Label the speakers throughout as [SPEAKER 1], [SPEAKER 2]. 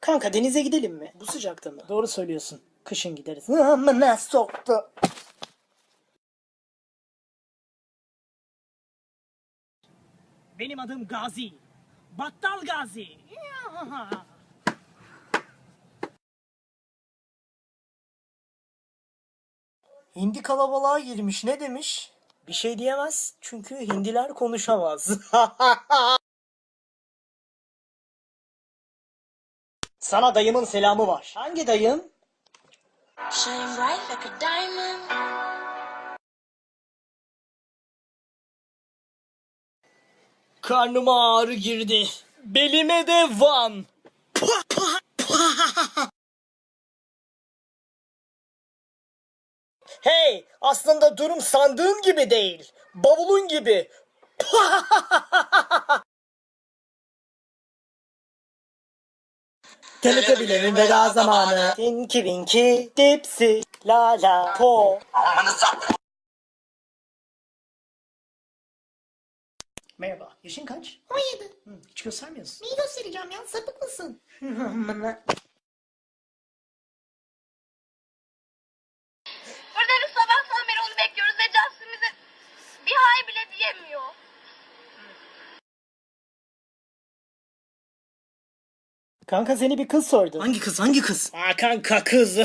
[SPEAKER 1] Kanka denize gidelim mi? Bu sıcakta mı? Doğru söylüyorsun. Kışın gideriz. Amına soktu. Benim adım Gazi. Battal Gazi. Hindi kalabalığa girmiş. Ne demiş? Bir şey diyemez. Çünkü hindiler konuşamaz. Sana dayımın selamı var. Hangi dayım?
[SPEAKER 2] Shine bright like a diamond.
[SPEAKER 1] Karnıma ağrı girdi. Belime de van. Hey, aslında durum sandığın gibi değil. Bavulun gibi. TRT bilemin veda zamanı. Tinky Winky, Dipsy, La La Po. Merhaba, yaşın kaç?
[SPEAKER 3] 17.
[SPEAKER 1] Hiç göstermiyorsun.
[SPEAKER 3] Neyi göstereceğim ya? Sapık mısın?
[SPEAKER 2] Burada biz sabahtan beri onu bekliyoruz ve Justin bize bir hay bile diyemiyor.
[SPEAKER 1] Kanka seni bir kız sordu. Hangi kız? Hangi kız? Aa kanka kız.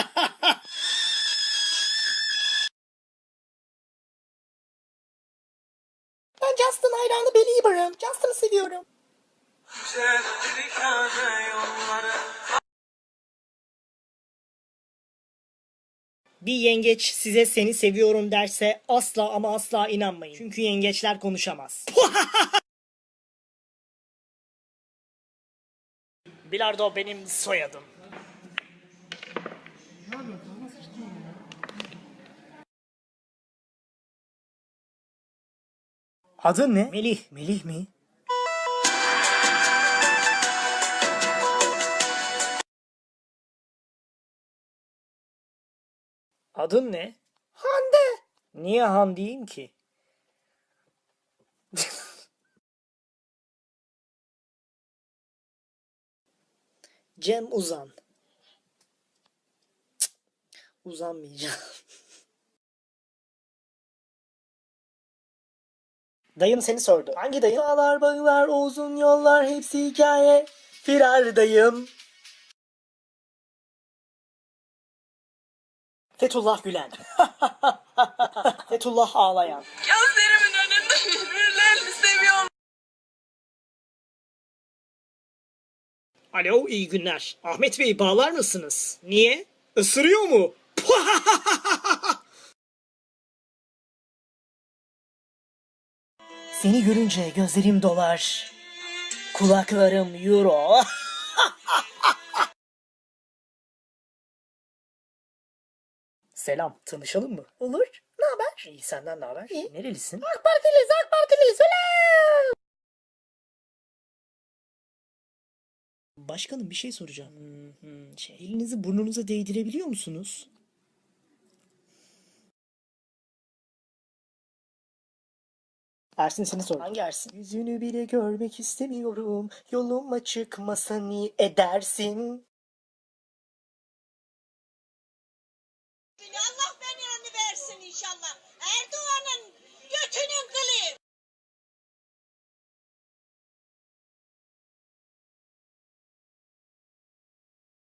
[SPEAKER 3] Ben Justin hayranı Belieber'ım. Justin'ı seviyorum.
[SPEAKER 1] Bir yengeç size seni seviyorum derse asla ama asla inanmayın. Çünkü yengeçler konuşamaz. Bilardo benim soyadım. Adın ne? Melih. Melih mi? Adın ne?
[SPEAKER 3] Hande.
[SPEAKER 1] Niye Han diyeyim ki? Cem Uzan. Cık, uzanmayacağım. Dayım seni sordu. Hangi dayım? Dağlar, bağlar, uzun yollar hepsi hikaye. Firar dayım. Fethullah Gülen. Fethullah ağlayan.
[SPEAKER 2] Gözlerimin önünde birbirlerini seviyorum.
[SPEAKER 1] Alo, iyi günler. Ahmet Bey bağlar mısınız? Niye? Isırıyor mu? Seni görünce gözlerim dolar. Kulaklarım euro. Selam, tanışalım mı?
[SPEAKER 3] Olur. Ne haber?
[SPEAKER 1] İyi, senden ne haber?
[SPEAKER 3] İyi.
[SPEAKER 1] Nerelisin?
[SPEAKER 3] AK Partiliyiz, AK Partiliyiz. Selam.
[SPEAKER 1] Başkanım bir şey soracağım. Elinizi burnunuza değdirebiliyor musunuz? Ersin seni sor. Hangi Ersin? Yüzünü bile görmek istemiyorum. Yoluma çıkmasan edersin.
[SPEAKER 4] Allah belanı versin inşallah.